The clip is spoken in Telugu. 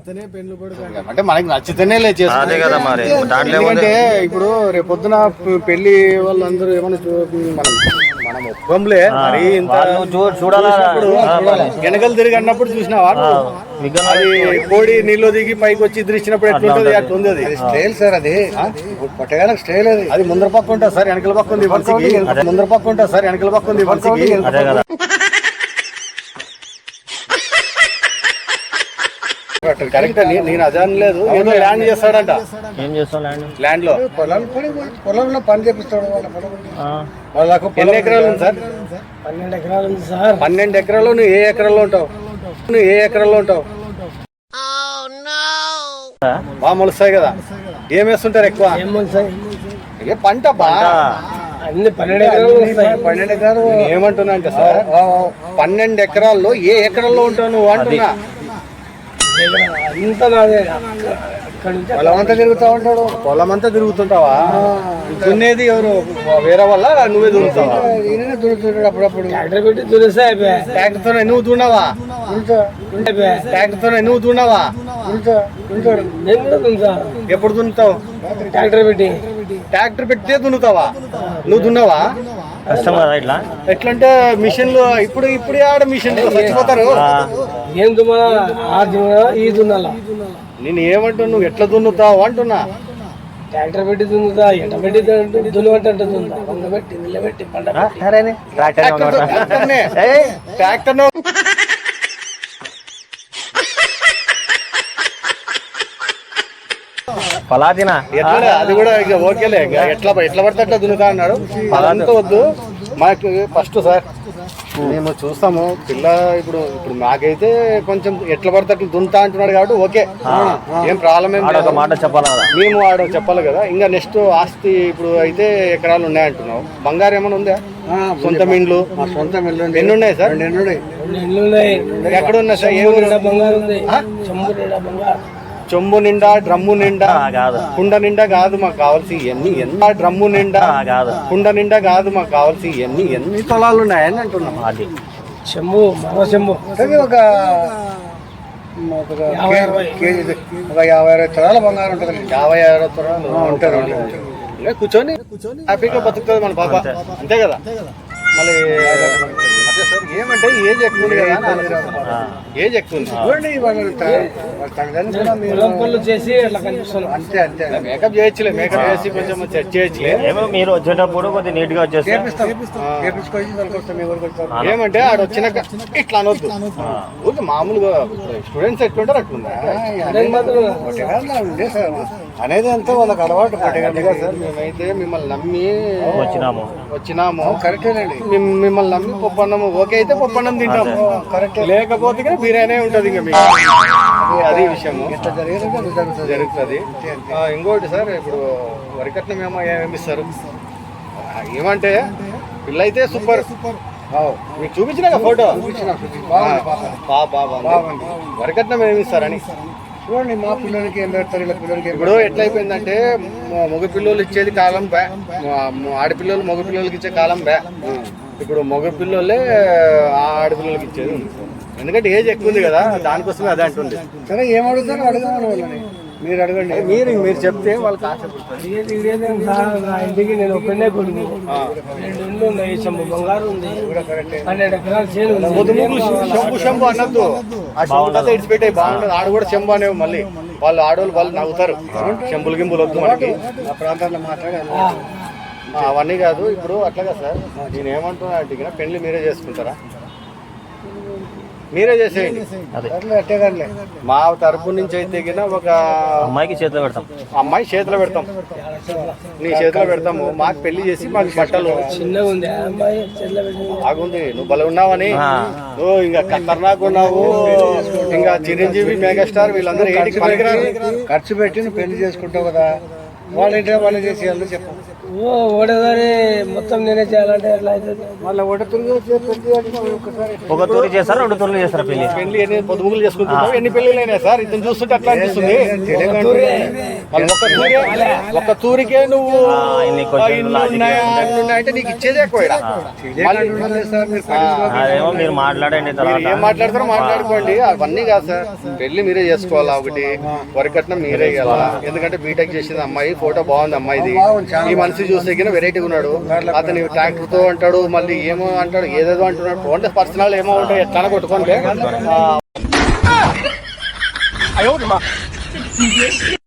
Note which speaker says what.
Speaker 1: అంటే మనకి నచ్చితేనే
Speaker 2: అదే కదా మరి.
Speaker 1: ఎందుకంటే ఇప్పుడు రేపొద్దున పెళ్లి వాళ్ళందరూ ఏమన్నా మనం ఒప్పంలే మరి ఇంత వెనకలు తిరిగి అన్నప్పుడు చూసినావా అది కోడి నీళ్ళు దిగి పైకి వచ్చి ఇద్దరిచ్చినప్పుడు ఎట్లుంటది అట్లుంది. అది స్టైల్ సార్, అది పొట్టగానే స్టైల్. అది ముందర పక్క ఉంటుంది సార్, వెనకల పక్క ఉంది వరుసకి. ముందర పక్క ఉంటుంది సార్, వెనకల పక్క ఉంది వరుసకి. కరెక్ట్ అని నేను అదే అనలేదు. ఏదో ల్యాండ్ చేస్తాడంట.
Speaker 2: ఏం చేస్తాం
Speaker 1: ల్యాండ్ లో పొలంలో పని చేపిస్తాడు. వాళ్ళకు ఎన్ని ఎకరాలు ఉంది సార్?
Speaker 3: 12 ఎకరాలు ఉంది సార్.
Speaker 1: 12 ఎకరాలు. నువ్వు ఏ ఎకరాల్లో ఉంటావు? బాగా మొలుస్తాయి కదా. ఏం వేస్తుంటారు ఎక్కువ? ఏ పంట
Speaker 3: అన్ని 12 ఎకరాలు.
Speaker 1: ఏమంటున్నా అంటే సార్ 12 ఎకరాల్లో ఏ ఎకరాల్లో ఉంటావు నువ్వు అంటున్నా. పొలం అంతా తిరుగుతా ఉంటాడు. పొలం అంతా తిరుగుతుంటావా? దున్నేది ఎవరు? వేరే వల్ల నువ్వే దున్నుతావా? దున్నుతుంటాడు అప్పుడప్పుడు.
Speaker 3: ట్రాక్టర్ పెట్టి దున్నేస్తా.
Speaker 1: ట్రాక్టర్ తో నువ్వు దున్నావా? ట్రాక్టర్ తో నువ్వు దున్నావా? ఎప్పుడు దున్నుతావు? ట్రాక్టర్ పెట్టే దున్నుతావా? నువ్వు దున్నావా?
Speaker 2: కష్టం కదా ఇట్లా.
Speaker 1: ఎట్లంటే మిషన్లు ఇప్పుడు ఆడ మిషన్లు చచ్చిపోతారు.
Speaker 3: ఏం దున్నా ఈ దున్నాలా?
Speaker 1: నేను ఏమంటున్నా, నువ్వు ఎట్లా దున్నుతావు అంటున్నా.
Speaker 3: ట్రాక్టర్ పెట్టి దున్నుతా, ఎండ పెట్టి దున్నబట్టి దున్నుతా. వంగబెట్టి నిలబెట్టి పంట
Speaker 1: ట్రాక్టర్
Speaker 2: పలాదినా
Speaker 1: ఎట్లా అది కూడా ఇక ఓకేలే. ఎట్లా పడితే అట్లా దున్నుతా అన్నాడు. అదంతా వద్దు మాకు. ఫస్ట్ సార్ మేము చూస్తాము పిల్ల. ఇప్పుడు మాకైతే కొంచెం ఎట్లా పడితే అట్లా దున్నుతా అంటున్నాడు కాబట్టి ఓకే, ఏం ప్రాబ్లం ఏం లేదు.
Speaker 2: మాట చెప్పాలి కదా,
Speaker 1: మేము ఆడ చెప్పాలి కదా. ఇంకా నెక్స్ట్ ఆస్తి ఇప్పుడు అయితే ఎకరాలు ఉన్నాయంటున్నావు. బంగారం ఏమైనా ఉందా? సొంత ఇండ్లు? ఎన్ని ఉన్నాయి సార్? 2 ఎక్కడ ఉన్నాయి సార్? ఏ ఊరు? చెంబు నిండా డ్రమ్ము నిండా
Speaker 2: కాదు,
Speaker 1: కుండ నిండా కాదు మాకు కావాల్సి ఎన్ని డ్రమ్ము నిండా కాదు, కుండ నిండా కాదు మాకు కావాల్సి ఎన్ని పొలాలు ఉన్నాయని అంటున్నాం.
Speaker 2: అది
Speaker 3: చెంబు మరో చెంబు
Speaker 1: ఒక 50-60 తులాల బంగారం ఉంటుంది. 50-60 తులాలు ఉంటుంది. కూర్చొని హ్యాపీగా బతుకుతుంది మన పాప. అంతే కదా. మళ్ళీ అదే సార్ ఏమంటే ఏజ్ ఎక్కువ ఉంది కదా. ఏజ్ ఎక్కువ ఉంది.
Speaker 3: చేసి అట్లా కనిపిస్తుంది.
Speaker 1: అంతే మేకప్ చేయొచ్చులే. మేకప్ చేసి కొంచెం సెట్ చేయొచ్చులే.
Speaker 2: మీరు వచ్చేటప్పుడు కొద్దిగా నీట్ గా వచ్చేసి
Speaker 1: ఏమంటే ఆడ వచ్చినాక ఇట్లా అనొద్దు. ఊరికి మామూలుగా స్టూడెంట్స్ ఎట్లుంటారు అట్లుందా అనేది అంతా వాళ్ళకి అలవాటు. పట్టేగా సార్ మేమైతే మిమ్మల్ని నమ్మి వచ్చినాము. కరెక్టేనండి. మిమ్మల్ని నమ్మి పప్పన్నము ఓకే అయితే పప్పన్నం తింటాము. కరెక్ట్. లేకపోతే బిర్యానీ ఉంటుంది. ఇంకా మీకు అది విషయము జరుగుతుంది. ఇంకోటి సార్, ఇప్పుడు వరికట్నం ఏమిస్తారు ఏమంటే పిల్ల అయితే సూపర్. మీకు చూపించిన ఫోటో వరికట్నం ఏమిస్తారని చూడండి. మా పిల్లలకి ఏం పెడతారు ఇలా పిల్లలకి. ఇప్పుడు ఎట్లా అయిపోయిందంటే మగ పిల్లలు ఇచ్చేది కాలం బే, ఆడపిల్లలు మగ పిల్లలకి ఇచ్చే కాలం బే. ఇప్పుడు మగ పిల్లలే ఆడపిల్లలకి ఇచ్చేది. ఎందుకంటే ఏజ్ ఎక్కువ ఉంది కదా, దానికోసమే అదే అంటుంది. సరే ఏం అడుగుతారో అడగమని వాళ్ళని. మీరు అడగండి. మీరు చెప్తే వాళ్ళకి ఆశ.
Speaker 3: ఇంటికి నేను ఒక్కడే కొడుకు. 2 ఇండ్లు ఉన్నాయి. చెంబు బంగారు ఉంది. 12 ఎకరాలు చేను.
Speaker 1: శంభు అనద్దు. ఆ శంభు ఇడిచిపెట్టాయి బాగుంటుంది. ఆడ కూడా శంభు అనేవి. మళ్ళీ ఆడవాళ్ళు వాళ్ళు నవ్వుతారు. చెంబులు గింబులు వద్దు మనకి. ఆ ప్రాంతాల్లో మాట్లాడాలి అవన్నీ కాదు. ఇప్పుడు అట్లాగా సార్ నేను ఏమంటున్నా అంటే పెళ్లి మీరే చేసుకుంటారా? మీరే చేసేయండి. మా తరపు నుంచి అయితే ఒక
Speaker 2: అమ్మాయికి చేతిలో పెడతాం.
Speaker 1: అమ్మాయి చేతిలో పెడతాం. నీ చేతిలో పెడతాము. మాకు పెళ్లి చేసి మాకు బట్టలు బాగుంది. నువ్వు బల ఉన్నావని నువ్వు ఇంకా ఖతర్నాక్ ఉన్నావు. ఇంకా చిరంజీవి మెగాస్టార్ వీళ్ళందరూ ఏంటికి పనికిరారు. ఖర్చు పెట్టి నువ్వు పెళ్లి చేసుకుంటావు కదా. వాళ్ళ ఇంట్లో వాళ్ళు చేసి చెప్పు.
Speaker 3: ఒకటేసారి మొత్తం నేనే చేయాలంటే ఎట్లా అవుతుంది?
Speaker 1: మళ్ళీ ఒకటి ఒక్కసారి
Speaker 2: ఒక తూరి చేస్తారా 2 తూర్లు చేస్తారా పెళ్లి?
Speaker 1: పెళ్లి ఎన్ని పొదుములు చేసుకుంటున్నాం, ఎన్ని పెళ్లిలు అయినాయి సార్? ఇతను చూస్తుంటే అట్లా అనిపిస్తుంది. మళ్ళీ ఒక్క తూరికే నువ్వు
Speaker 2: ఇన్ని క్వశ్చన్లు,
Speaker 1: ఇన్ని
Speaker 2: లాజిక్
Speaker 1: ఉన్నాయా, అన్ని ఉన్నాయంటే నీకు ఇచ్చేదే ఎక్కువ ఈడ.
Speaker 2: అదేమో మీరు మాట్లాడండి తర్వాత.
Speaker 1: ఏం మాట్లాడతారో మాట్లాడుకోండి, అవన్నీ కాదు సార్. పెళ్లి మీరే చేసుకోవాలా, ఒకటి వరకట్నం మీరే ఇవ్వాలా. ఎందుకంటే బీటెక్ చేసింది అమ్మాయి, ఫోటో బాగుంది అమ్మాయిది. ఈ మనిషి చూస్తే వెరైటీగా ఉన్నాడు. అతని ట్రాక్టర్ తో అంటాడు, మళ్ళీ ఏమో అంటాడు, ఏదేదో అంటున్నాడు. ఓన్లీ పర్సనల్ ఏమో ఉంటాయి, ఎట్లా కొట్టుకోండి.